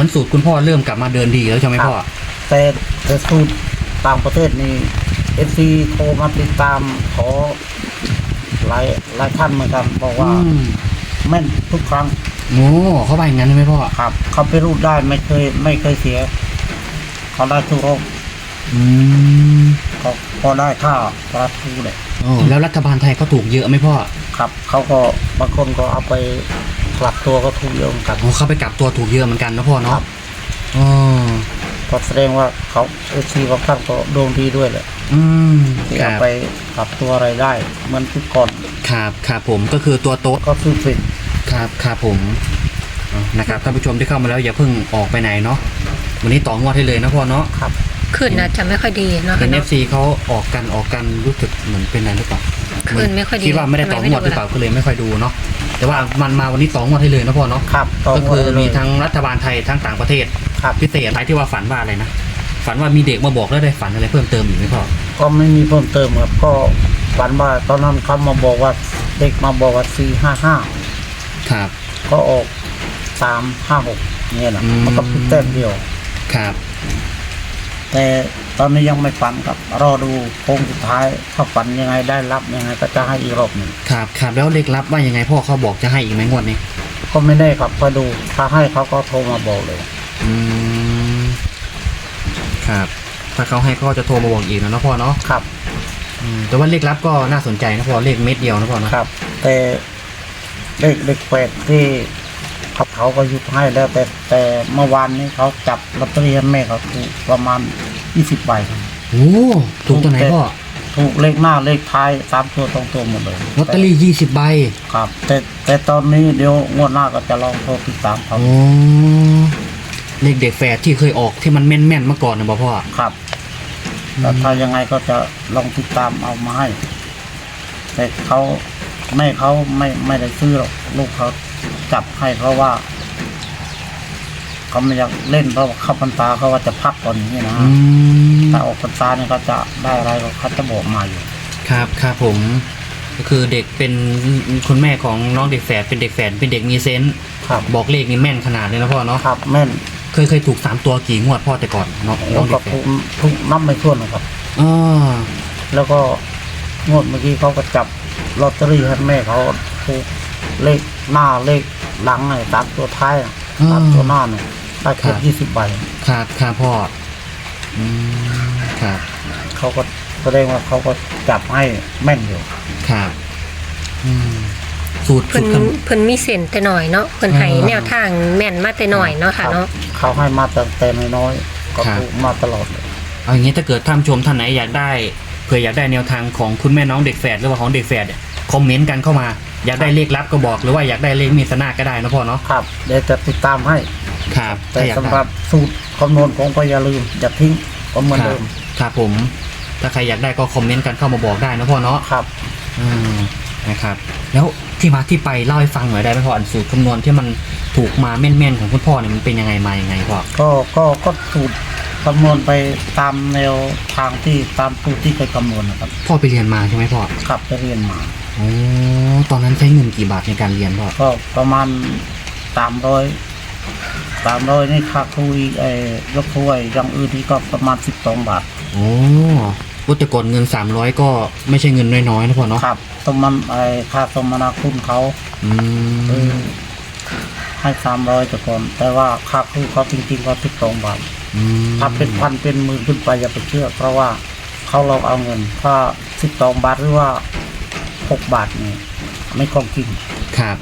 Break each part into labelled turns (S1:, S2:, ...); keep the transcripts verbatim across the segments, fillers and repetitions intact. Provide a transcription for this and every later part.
S1: อนสูตรคุณพ่อเริ่มกลับมาเดินดีแล้วใช่ไหมพ่อ
S2: แต่แต่สูตรต่างประเทศนี่เอฟซีโทรมาติดตามขอหลายหลายท่านเหมือนกันบอกว่าแม่นทุกครั้ง
S1: โอ้เขาไปอย่างนั้นใช่ไหมพ่อ
S2: ครับเขาไปรูดได้ไม่เคยไม่เคยเสียเขาได้ทุกรอบ
S1: อืม
S2: เขาพอได้ค่าประตูเลย
S1: โอ้แล้วรัฐบาลไทยเขาถูกเยอะไหมพ่อ
S2: ครับเขาก็บางคนก็เอาไปกลับตัวก็ถูกเยอะเหมือนกัน
S1: โอ้เขาไปกลับตัวถูกเยอะเหมือนกันนะพ่อเนาะอ๋อ
S2: ก็แสดงว่าเขาเอชีบางท่านก็ดวงดีด้วยแหละ
S1: อืม
S2: ที่เอาไปกลับตัวอะไรได้เหมือนทุกก่อน
S1: ครับครับผมก็คือตัวโต๊ะ
S2: ก็ซื้อเป็น
S1: ครับครับผมนะครับท่านผู้ชมที่เข้ามาแล้วอย่าเพิ่งออกไปไหนเนาะวันนี้ต่องวดให้เลยนะพ่อเนาะ
S2: ครับ
S3: ขึ้นนะจะไม่ค่อยดีเนาะ
S1: เห็นเอฟซีเขาออกกันออกกันรู้สึกเหมือนเป็นอะไรหรือเปล่า
S3: ขึ้นไม่ค่อยดี
S1: คิดว่าไม่ได้ต่องวดหรือเปล่าก็เลยไม่ค่อยดูเนาะแต่ว่ามันมาวันนี้ต่องวดให้เลยนะพ่อเนาะ
S2: ครับ
S1: ก็คือมีทั้งรัฐบาลไทยทั้งต่างประเทศพิเศษอะไรที่ว่าฝันว่าอะไรนะฝันว่ามีเด็กมาบอกแล้วได้ฝันอะไรเพิ่มเติมอีกไหมพ่อ
S2: ก็ไม่มีเพิ่มเติมครับก็ฝันว่าตอนนั้นเขามาบอกว่าเด็กมาบอกว่าสี่ห้าห้า
S1: ครับ
S2: ก็ออกสามห้าหกเนี่ยนะมันก็พิเศษเดียว
S1: ครับ
S2: แต่ตอนนี้ยังไม่ฝันครับรอดูโค้งสุดท้ายถ้าฝันยังไงได้รับยังไงก็จะให้อีกรอบหนึ่ง
S1: ครับครับแล้วเลขลับว่ายังไงพ่อเขาบอกจะให้อีกไหมงวดนี้
S2: ก็ไม่ได้ครับพอดูถ้าให้เขาก็โทรมาบอกเลย
S1: อืมครับถ้าเขาให้เขาจะโทรมาบอกอีกนะพ่อเนาะ
S2: ครับ
S1: แต่ว่าเลขลับก็น่าสนใจนะพ่อเลขเม็ดเดียวนะพ่อนะครับ
S2: แต่เลขเลขแปดที่เขาเขาก็ยุบให้แล้วแต่แต่เมื่อวานนี้เขาจับลอตเตอรี่ให้แม่เขาถูกประมาณยี่สิบใบ
S1: โอ้ถูกตัวไหนพ่อ
S2: ถูกเลขหน้าเลขท้ายสามตัวตรงตัวหมดเลย
S1: ลอตเตอรี่ยี่สิบใบ
S2: ครับแต่แต่ตอนนี้เดี๋ยวงวดหน้าก็จะลองโทรติดตามเขา
S1: โอ้เลขเด็กแฝดที่เคยออกที่มันแม่นแม่นเมื่อก่อนนะพ่อ
S2: ครับแต่ถ้ายังไงก็จะลองติดตามเอามาให้แต่เขาแม่เขาไม่ไม่ได้ซื้อหรอกลูกเขาจับให้เพราะว่าเขาไม่อยากเล่นเพราะเข้าพรรษาเขาว่าจะพักก่อนอย่างนี้นะแต่ออกพรรษาเนี่ยเขาจะได้อะไรเขาจะบอกมาอยู่
S1: ครับครับผมก็คือเด็กเป็นคุณแม่ของน้องเด็กแฝดเป็นเด็กแฝดเป็นเด็กมีเซนส์บอกเลขนี่แม่นขนาดเลยนะพ่อเนาะ
S2: ครับแม่น
S1: เคยเคยถูกสามตัวกี่งวดพ่อแต่ก่อนเนาะ
S2: น้องเด็กแฝดทุกนับไม่ถ้วนนะครับ
S1: อ๋อ
S2: แล้วก็งวดเมื่อกี้เขาก็จับลอตเตอรี่ให้แม่เขาถูกเลขหน้าเลขหลังไงตามตัวท้ายตามตัวหน้าเนี่ยได้แค่ยี่สิบใบ
S1: ครับครับพ่ออืมครับ
S2: เขาก็แสดงว่าเขาก็จับให้แม่นอยู่
S1: ครับอืมสูตร
S3: เพิ่นเพิ่นมีเส้นแต่หน่อยเนาะเพิ่นให้แนวทางแม่นมาแต่หน่อยเนาะค่ะเนาะ
S2: เขาให้มาแต่แต่น้อยก็ถูกมาตลอดเลย
S1: เอาอย่างนี้ถ้าเกิดท่านชมท่านไหนอยากได้เผื่ออยากได้แนวทางของคุณแม่น้องเด็กแฝดหรือว่าของเด็กแฝดคอมเมนต์กันเข้ามาอยากได้เลขลับก็บอกหรือว่าอยากได้เลขมีสนาก็ได้นะพ่อเนาะ
S2: ครับเดี๋ยวจะติดตามให้
S1: ครับ
S2: แต่สำหรับสูตรคำนวณของก็อย่าลืมอย่าทิ้งก็เหมือนเดิม
S1: ครับผมถ้าใครอยากได้ก็คอมเมนต์กันเข้ามาบอกได้นะพ่อเนาะ
S2: ครับ
S1: อืมนะครับแล้วที่มาที่ไปเล่าให้ฟังหน่อยได้ไหมพ่ออันสูตรคำนวณที่มันถูกมาแม่นๆของคุณพ่อเนี่ยมันเป็นยังไงมายังไงพ่อ
S2: ก็ก็ก็สูตรคำนวณไปตามแนวทางที่ตามสูตรที่เคยคำนวณนะครับ
S1: พ่อไปเรียนมาใช่ไหมพ่อ
S2: ครับไปเรียนมา
S1: โอ้ตอนนั้นใช้เงินกี่บาทในการเรียนพ่อ
S2: ก็ประมาณสามร้อยสามร้อยนี่ค่าครูไอ้ยกถ้วยอย่างอื่นนี่ก็ประมาณสิบสองบาท
S1: โอ้วัตถุกรเงินสามร้อยก็ไม่ใช่เงินน้อยๆนะพ่อเนาะ
S2: ครับสมมันไอ้ค่าสมนาคุณเขา
S1: อืม
S2: ให้สามร้อยแต่ก่อนแต่ว่าค่าครูเขาจริงๆก็สิบสองบาทถ้าเป็นพันเป็นหมื่นขึ้นไปอย่าไปเชื่อเพราะว่าเขาเราเอาเงินถ้าสิบสองบาทหรือว่าหกบาทนี่ไม่คงจริง
S1: ครับ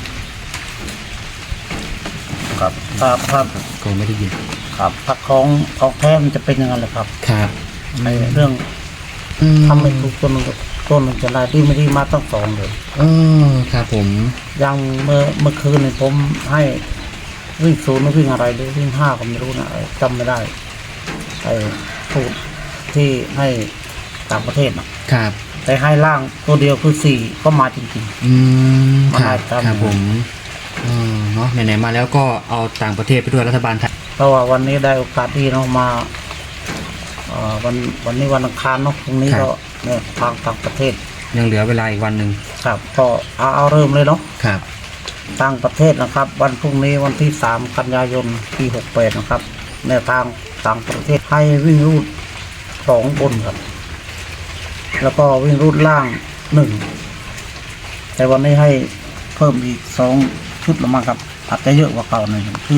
S2: ครับถ้าถ้า
S1: ก็ไม่ได้ยิน
S2: ครับถ้าของของแท้มันจะเป็นยังไงล่ะครับ
S1: ครับ
S2: ในเรื่องทำไม่ถูกต้นต้นมันจะได้ที่ไม่ได้มาตั้งสองเลย
S1: เออครับผม
S2: ยังเมื่อเมื่อคืนเนี่ยผมให้วิ่งศูนย์หรือวิ่งอะไรหรือวิ่งห้าก็ไม่รู้นะจำไม่ได้ไอ้สูตรที่ให้ต่างประเทศนะครับแต่ให้ล่างตัวเดียวคือสี่ก็มาจริง
S1: ๆอืมครับครับผมเออเนาะไหนๆมาแล้วก็เอาต่างประเทศไปด้วยรัฐบาลไทย
S2: เพราะว่าวันนี้ได้โอกาสที่เนาะมาวันวันนี้วันอังคารเนาะพรุ่งนี้ก็เนี่ยทางต่างประเทศ
S1: ยังเหลือเวลาอีกวันหนึ่ง
S2: ครับก็เอาเอาเริ่มเลยเนาะ
S1: ครับ
S2: ต่างประเทศนะครับ วันพรุ่งนี้วันที่สามกันยายนปีหกแปดนะครับแนวทางต่างประเทศให้วิ่งรูดสองบนครับแล้วก็วิ่งรูดล่างหนึ่งแต่วันนี้ให้เพิ่มอีกสองชุดละมั้งครับอาจจะเยอะกว่าเก่าหน่อยคือ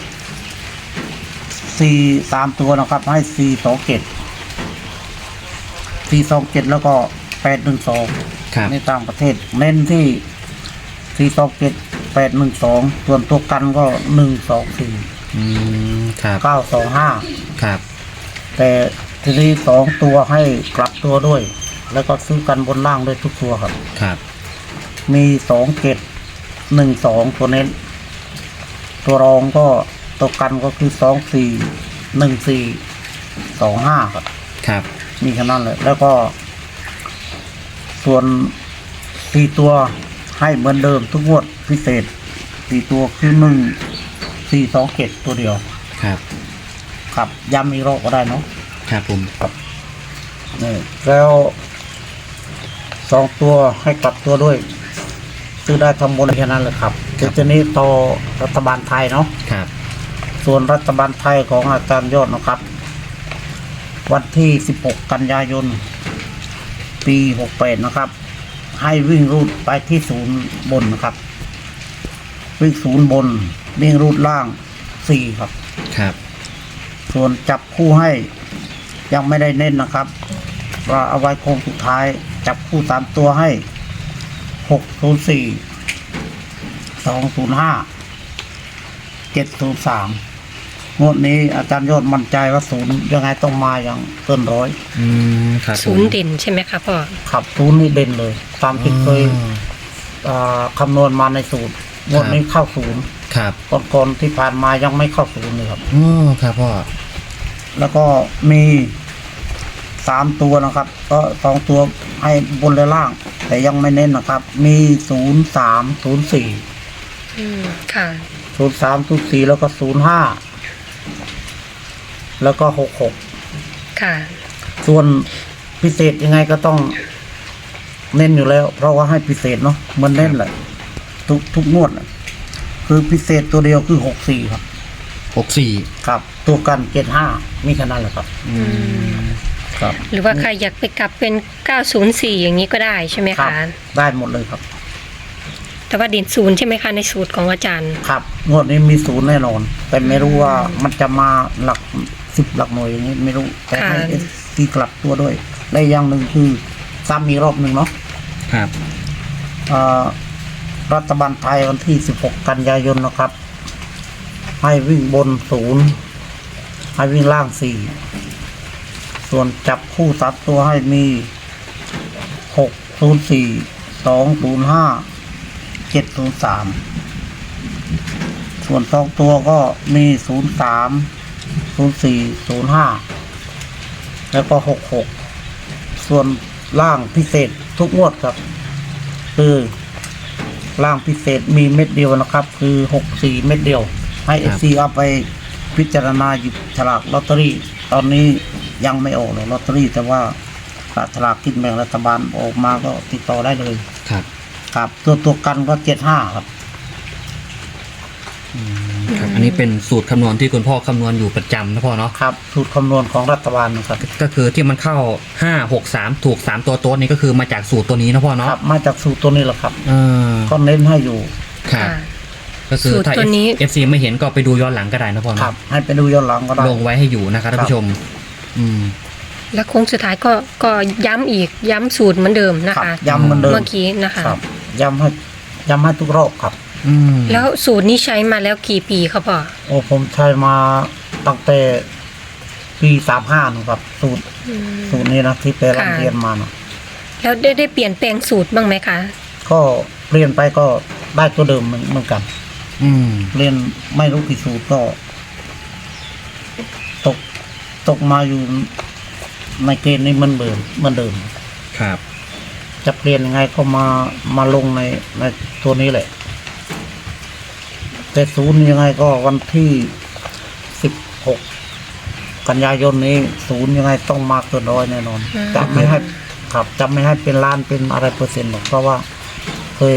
S2: สี่สามตัวนะครับให้สี่สองเจ็ดสี่สองเจ็ดแล้วก็แปดหนึ่งสอง
S1: ครับ
S2: ในต่างประเทศเน้นที่สี่สองเจ็ดแปดหนึ่งสองส่วนตัวกันก็หนึ่งสองสี่
S1: อืมครับ
S2: เก้าสองห้า
S1: ครับ
S2: แต่ทีนี้สองตัวให้กลับตัวด้วย แล้วก็ซื้อกันบนล่างด้วยทุกตัวครับ
S1: ครับ
S2: มีสองเจ็ดหนึ่งสองตัวเน้น ตัวรองก็ตัวกันก็คือสองสี่หนึ่งสี่สองห้าครับ
S1: ครับ
S2: มีแค่นั้นเลยแล้วก็ ส่วนสี่ตัวให้เหมือนเดิมทุกงวดพิเศษสี่ตัวคือหนึ่งสี่สองเจ็ดตัวเดียว
S1: ครับ
S2: ครับย้ำอีกรอบก็ได้เนาะ
S1: ครับผม
S2: นี่แล้วสองตัวให้กลับตัวด้วยซื้อได้ทำบนแค่นั้นเลยครับเดี๋ยวจะนี้ต่อรัฐบาลไทยเนาะ
S1: ครับ
S2: ส่วนรัฐบาลไทยของอาจารย์ยอดนะครับ วันที่สิบหกกันยายนปีหกแปดนะครับ ให้วิ่งรูดไปที่ศูนย์บนนะครับ วิ่งศูนย์บนวิ่งรูดล่างสี่ครับ
S1: ครับ
S2: ส่วนจับคู่ให้ยังไม่ได้เน้นนะครับว่าเอาไว้โค้งสุดท้าย จับคู่สามตัวให้หกศูนย์สี่สองศูนย์ห้าเจ็ดศูนย์สามงวดนี้อาจารย์ยอดมั่นใจว่าศูนย์ยังไงต้องมาอย่างเกินร้อย
S1: อืมครับผม
S3: ศูนย์เด่นใช่ไหมคะพ่อ
S2: ขับศูนย์นี่เด่นเลย ตามที่เคย
S1: อ๋อ
S2: อ่าคำนวณมาในสูตรงวดนี้เข้าศูนย์
S1: ครับ
S2: ก่อนๆที่ผ่านมายังไม่เข้าศูนย์เลยครับ
S1: อ๋อครับพ่อ
S2: แล้วก็มีสามตัวนะครับ ก็สองตัวให้บนและล่าง แต่ยังไม่เน้นนะครับ มีศูนย์สามศูนย์สี่
S3: อืมค่ะ
S2: ศูนย์สามศูนย์สี่แล้วก็ศูนย์ห้าแล้วก็หกหก
S3: ค่ะ
S2: ส่วนพิเศษยังไงก็ต้องเน้นอยู่แล้ว เพราะว่าให้พิเศษเนาะมันเน้นแหละทุกทุกงวดน่ะคือพิเศษตัวเดียวคือหกสี่ครับ
S1: หกสี่
S2: ครับ ตัวกันเจ็ดห้ามีขนาดแหละครับ
S1: อืม
S2: ครับ
S3: หรือว่าใครอยากไปกลับเป็นเก้าศูนย์สี่อย่างนี้ก็ได้ใช่ไหม
S2: ครั
S3: คะ
S2: บได้หมดเลยครับ
S3: แต่ว่าเด่นศูนย์ใช่ไหมคะในสูตรของอาจารย์
S2: ครับงวดนี้มีศูนย์แน่นอน แต่ไม่รู้ว่ามันจะมาหลักสิบหลักหน่วยอย่างนี้ไม่รู้ แต่ให้
S3: ค่ะ
S2: เอสซีกลับตัวด้วยและอย่างหนึ่งคือซ้ำมีกรอบหนึ่งเนาะ
S1: ครับ
S2: เอ่อรัฐบาลไทยวันที่สิบหกกันยายนนะครับ ให้วิ่งบนศูนย์ให้วิ่งล่างสี่ส่วนจับคู่สามตัวให้มีหกศูนย์สี่สองศูนย์ห้าเจ็ดศูนย์สามส่วนสองตัวก็มีศูนย์สามศูนย์สี่ศูนย์ห้าแล้วก็หกหกส่วนล่างพิเศษทุกงวดครับ คือล่างพิเศษมีเม็ดเดียวนะครับ คือหกสี่เม็ดเดียว ให้เอฟซีเอาไปพิจารณาหยิบฉลากลอตเตอรี่ ตอนนี้ยังไม่ออกเลยลอตเตอรี่ แต่ว่าฉลากกินแบ่งรัฐบาลออกมาก็ติดต่อได้เลย
S1: ครับ
S2: ครับตัวตัวกันก็เจ็ดห้าครับ
S1: อืมครับ อันนี้เป็นสูตรคำนวณที่คุณพ่อคำนวณอยู่ประจำนะพ่อเนาะ
S2: ครับสูตรคำนวณของรัฐบาลนะครับ
S1: ก็คือที่มันเข้าห้าหกสามถูกสามตัวโต๊ดนี่ก็คือมาจากสูตรตัวนี้นะพ่อ
S2: ค
S1: เนาะ
S2: รับมาจากสูตรตัวนี้แหละครับ
S1: เออ
S2: ก็เน้นให้อยู่
S1: ครับ
S3: ค่ะ
S1: ก็คือถ้า
S3: สูตรตัวนี้
S1: เอฟซีไม่เห็นก็ไปดูย้อนหลังก็ได้นะพ่อ
S2: ครั
S1: เนาะ
S2: บ ให้ไปดูย้อนหลังก็ได้
S1: ลงไว้ให้อยู่นะครับท่านผู้ชม อืม
S3: แล้วโค้งสุดท้ายก็ก็ย้ำอีกย้ำสูตรเหมือนเดิมนะ
S2: ครับ
S3: คะ
S2: ย้ำเหมือนเดิม
S3: เมื่อกี้นะคะ
S2: ครับย้ำให้ย้ำให้ทุกรอบครับ
S1: อืม
S3: แล้วสูตรนี้ใช้มาแล้วกี่ปีครับพ่อ
S2: โอ้ผมใช้มาตั้งแต่ปีสามห้านะครับ สูตร
S3: อืม
S2: สูตรนี้นะที่ไปเรียน
S3: ค่ะ
S2: เรียนมานะ
S3: แล้วได้ได้เปลี่ยนแปลงสูตรบ้างไหมคะ
S2: ก็เรียนไปก็ได้ตัวเดิมเหมือนเหมือนกัน
S1: อืม
S2: เรียนไม่รู้กี่สูตรก็ ตกตกมาอยู่ในเกณฑ์นี้เหมันเดิมเหมันเดิม
S1: ครับ
S2: จะเปลี่ยนยังไงก็มามาลงในในตัวนี้แหละ แต่ศูนย์ยังไงก็วันที่สิบหกกันยายนนี้ ศูนย์ยังไงต้องมาเกินร้อยแน่นอน
S3: อืม
S2: จะไม่ให้ครับจะไม่ให้เป็นล้านเป็นอะไรเปอร์เซ็นต์หรอกเพราะว่าเคย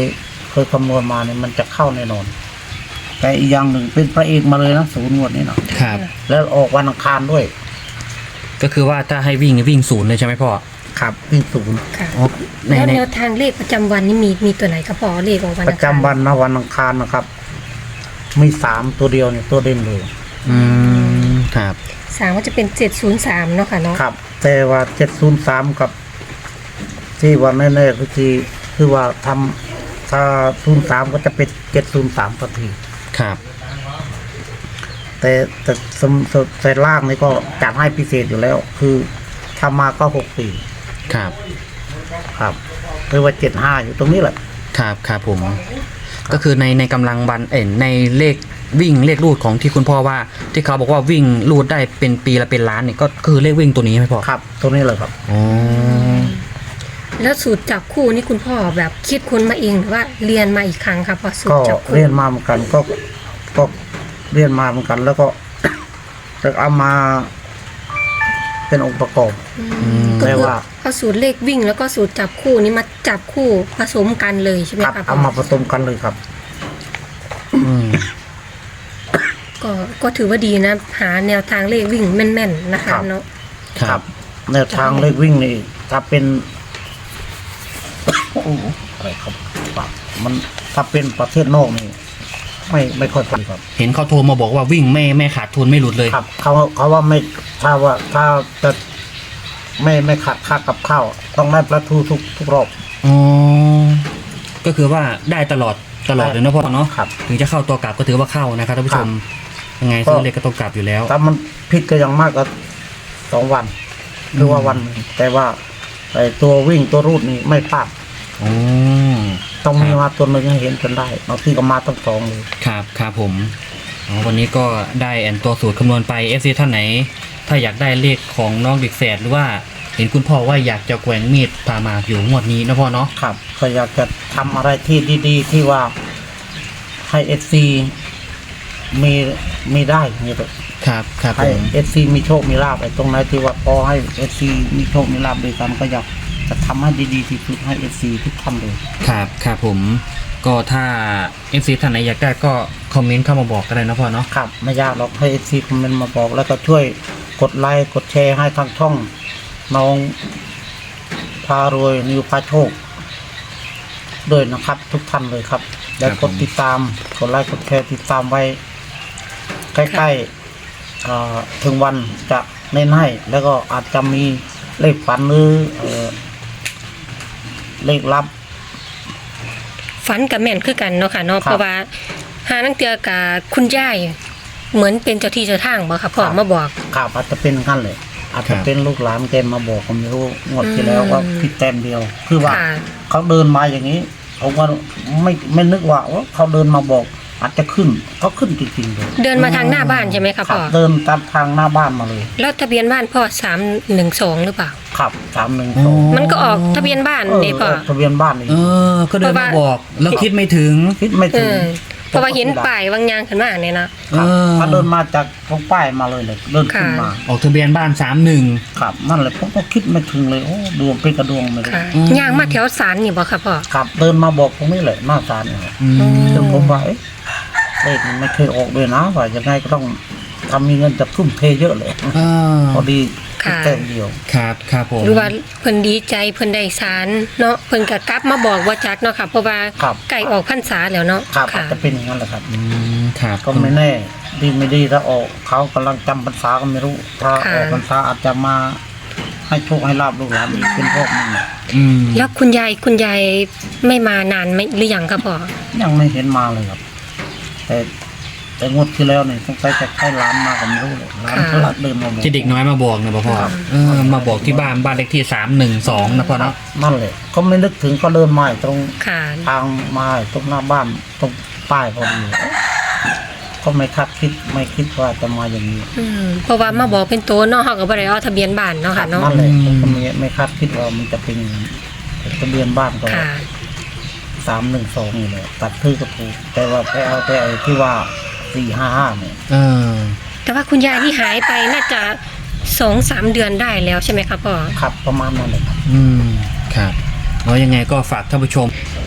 S2: เคยคำนวณมาเนี่ยมันจะเข้าแน่นอนแต่อีกอย่างหนึ่งเป็นพระเอกมาเลยนะศูนย์งวดนี้นะครับ แล้วออกวันอังคารด้วย
S1: ก็คือว่าถ้าให้วิ่งวิ่งศูนย์เลยใช่ไหมพ่อ
S2: ครับวิ่งศูนย์
S3: ค่ะ
S1: อ๋อใน
S3: แล้ว
S1: ใน
S3: แนวทางเลขประจำวันนี่มีมีตัวไหนครับพ่อเลขของวัน
S2: ประจำวันนะวันอังคารนะครับ มีสามตัวเดียวเนี่ยตัวเด่นเลย
S1: อืมครับ
S3: สามก็จะเป็นเจ็ดศูนย์สามเนาะค่ะเนาะ
S2: ครับ แต่ว่าเจ็ดศูนย์สามกับ ที่วันแน่ๆคือที่คือว่าทำถ้าศูนย์สามก็จะเป็นเจ็ดศูนย์สามทันที
S1: ครับ
S2: แต่แต่สมสแต่ล่างนี่ก็จัดให้พิเศษอยู่แล้ว คือถ้ามาก็หกสี่
S1: ครับ
S2: ครับหรือว่าเจ็ดห้าอยู่ตรงนี้แหละ
S1: ครับครับผม ก็คือในในกำลังวันเอ็นในเลขวิ่งเลขรูดของที่คุณพ่อว่า ที่เขาบอกว่าวิ่งรูดได้เป็นปีละเป็นล้านเนี่ยก็คือเลขวิ่งตัวนี้ใช่ไหมพ่อ
S2: ครับ ตรงนี้เลยครับ
S1: อ๋อ
S3: แล้วสูตรจับคู่นี่คุณพ่อแบบคิดค้นมาเองหรือว่าเรียนมาอีกครั้งครับพอสูต
S2: ก็
S3: รจับคู่
S2: เรียนมาเหมือนกันก็ก็เรียนมาเหมือนกัน แล้วก็ จะเอามาเป็นองค์ประกอบ
S3: อืมก็
S2: แปล
S3: คือ
S2: ว่า
S3: เอาสูตรเลขวิ่งแล้วก็สูตรจับคู่นี้มาจับคู่ผสมกันเลยใช่ไหม
S2: ครับ
S3: ครับ
S2: เอามาผสมกันเลยครับ
S1: อืม
S3: ก็ก็ถือว่าดีนะ หาแนวทางเลขวิ่งแม่นๆนะคะ
S2: ครับ
S3: เนาะ
S1: ครับ
S2: แนวทางเลขวิ่งนี่ถ้าเป็น โอ้โหอะไรครับปากมันถ้าเป็นประเทศนอกนี่ไม่ไม่ค่อยพอครับ
S1: เห็นเขาโทรมาบอกว่าวิ่งไม่ไม่ขาดทุนไม่หลุดเลย
S2: ครับเขาเขาว่าไม่ถ้าว่าถ้าจะไม่ไม่ขาดค่ากับข้าวต้องได้ประทูทุกทุกรอบ
S1: อ๋อ ก็คือว่าได้ตลอดตลอดเลยนะพ่อเนาะ
S2: ครับ
S1: ถึงจะเข้าตัวกลับก็ถือว่าเข้านะครับท่านผู้ชม ยังไงซื้อเลขก็ต้องกลับอยู่แล้ว
S2: ถ้ามันผิดก็ยังมากก็สองวัน หรือว่าวันหนึ่งแต่ว่าไอ้ตัววิ่งตัวรูดนี่ไม่พลาด
S1: อ๋อ
S2: ต้องมีมาตัวหนึ่งให้เห็นกันได้บางทีก็มาทั้งสองเลย
S1: ครับครับผมอ๋อวันนี้ก็ได้แอนตัวสูตรคำนวณไป เอฟ ซี ท่านไหน ถ้าอยากได้เลขของน้องเด็กแฝดหรือว่าเห็นคุณพ่อว่าอยากจะแกว่งมีดพามาอยู่งวดนี้นะพ่อเนาะ
S2: ครับก็อยากจะทำอะไรที่ดีๆ ที่ว่าให้เอฟซีมีมีได้เนี่ยเลย
S1: ครับครับผ
S2: ให้
S1: ม
S2: เอฟซีมีโชคมีลาภไอ้ตรงไหนที่ว่าพอให้เอฟซีมีโชคมีลาภด้วยกันก็อยากจะทำให้ดีๆที่สุดให้เอฟซีทุกท่านเลย
S1: ครับครับผม ก็ถ้า เอฟ ซี ท่านไหนอยากได้ก็คอมเมนต์เข้ามาบอกก็ได้นะพ่อเนาะ
S2: ครับไม่ยากหรอกให้เอฟซีคอมเมนต์มาบอก แล้วก็ช่วยกดไลค์กดแชร์ให้ทางช่องน้องพารวยนิวพาโชคด้วยนะครับ ทุกท่านเลยครับแล้วกดติดตามกดไลค์กดแชร์ติดตามไว้ ใกล้ๆเอ่อถึงวันจะเน้นให้ แล้วก็อาจจะมีเลขฝันหรือเอ่อเลขลับ
S3: ฝันกับแม่นคือกันเนาะค่ะเนาะเพราะว่าหานังเตือกับคุณยายเหมือนเป็นเจ้าที่เจ้าทางบ่ค่ะพ่อมาบอก
S2: ข่าวอาจจะเป็นกันเลยอาจจะเป็นลูกหลานแกมาบอกผมไม่รู้งวดที่แล้ว
S3: อืม
S2: ว่าผิดแต้มเดียว คือว่า
S3: ค่ะ
S2: เขาเดินมาอย่างนี้ผมว่าไม่ไม่นึกว่าว่าเขาเดินมาบอก อาจจะขึ้นเขาขึ้นจริงๆเลย
S3: เดินมาทางหน้าบ้านใช่ไหมคะ
S2: ขั
S3: พ่
S2: บ
S3: อ
S2: เดินตามทางหน้าบ้านมาเลย
S3: แล้วทะเบียนบ้านพ่อสามหนึ่งสองหรือเปล่า
S2: ขับสามหนึ่ง
S1: อ๋
S2: สอง
S1: อ
S3: มันก็ออกทะเบียนบ้าน
S2: เออ
S3: นี่พ่อ
S2: ออกทะเบียนบ้านนี่
S1: เออ ก็เดินมาบอก แล้วคิดไม่ถึง
S2: คิดไม่
S3: เอ
S2: ถึง
S3: อเพราะว่าเห็นป้ายวางยางขึ้นมาเนี่ยนะ
S2: ครับ
S1: เออ
S2: เขาเดินมาจากตรงป้ายมาเลยเลยเดินขึ้นมา
S1: ออกทะเบียนบ้านสามหนึ่ง
S2: ครับนั่นแหละผมก็คิดไม่ถึงเลยโอ้ดวงเป็นกระดวงเลย
S3: ค่ะ
S1: อืม
S3: ยางมาแถวสารนี่บ่ค่ะพ่อ
S2: ครับเดินมาบอกตรงนี้เลยหน้าศาลเนี่ย
S1: อืม
S2: จนผมว่าเอ๊ะเลขมันไม่เคยออกด้วยนะว่ายังไงก็ต้องทำมีเงินจะทุ่มเทเยอะเลย
S1: เออ
S2: พอดี
S3: ค่ะ
S2: แต้มเดียว
S1: ครับครับผม
S3: หรือว่าเพิ่นดีใจเพิ่นได้สารเนาะเพิ่นก็กลับมาบอกว่าจักเนาะค่ะเพราะว่า
S2: ครับ
S3: ใกล้ออกพรรษาแล้วเนาะ
S2: ครับอาจ
S3: ค่ะ
S2: จะเป็นอย่างนั้นแหละครับ
S1: อืมครับ
S2: ก็ไม่แน่ดีไม่ดีถ้าออกเขากำลังจำพรรษาก็ไม่รู้ ถ้า
S3: ค่ะ
S2: ออกพรรษาอาจจะมาให้โชคให้ลาบลูกหลานอีกเป็นพวกนึงน่ะ
S1: อืม
S3: แล้วคุณยายคุณยายไม่มานานไหมหรือยังครับพ่อ
S2: ยังไม่เห็นมาเลยครับ แต่แต่งวดที่แล้วเนี่ยต้องไปจะให้ร้านมาก็ไม่รู้เลยร้านเขาลักเดินมาบอก
S1: ที่เด็กน้อยมาบอกนะพ่อ
S2: ครับ
S1: เออมาบอกที่บ้านบ้านเลขที่สามหนึ่งสองนะพ่อเนาะ
S2: นั่นแหละเขาไม่นึกถึงก็เดินมาตรง
S3: ค่ะ
S2: ทางมาตรงหน้าบ้านตรงป้ายพอดีก็ไม่คาดคิดไม่คิดว่าจะมาอย่างนี้
S3: อืมเพราะว่ามาบอกเป็นตัวเนาะเฮาก็บ่ได้เอาทะเบียนบ้านเนาะค่ะเนาะ
S2: นั่นแหละผมก็ไม่ไม่คาดคิดว่ามันจะเป็นอย่างนั้นแต่ทะเบียนบ้านก็
S3: ค่ะ
S2: สามหนึ่งสองนี่แหละตัดชื่อก็ถูกแต่ว่าไปเอาแต่ไอ้ที่ว่าสี่ห้าห้าเนี่ย
S1: เออ
S3: แต่ว่าคุณยายที่หายไปน่าจะสองสามเดือนได้แล้วใช่ไหมครับพ่อ
S2: ครับประมาณนั้นเลยครับ
S1: อืมครับแล้วยังไงก็ฝากท่านผู้ชม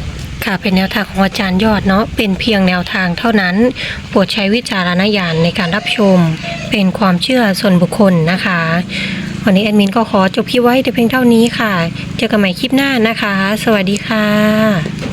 S3: ค่ะเป็นแนวทางของอาจารย์ยอดเนาะเป็นเพียงแนวทางเท่านั้นโปรดใช้วิจารณญาณในการรับชมเป็นความเชื่อส่วนบุคคลนะคะวันนี้แอดมินก็ขอจบคลิปไว้แต่เพียงเท่านี้ค่ะเจอกันใหม่คลิปหน้านะคะสวัสดีค่ะ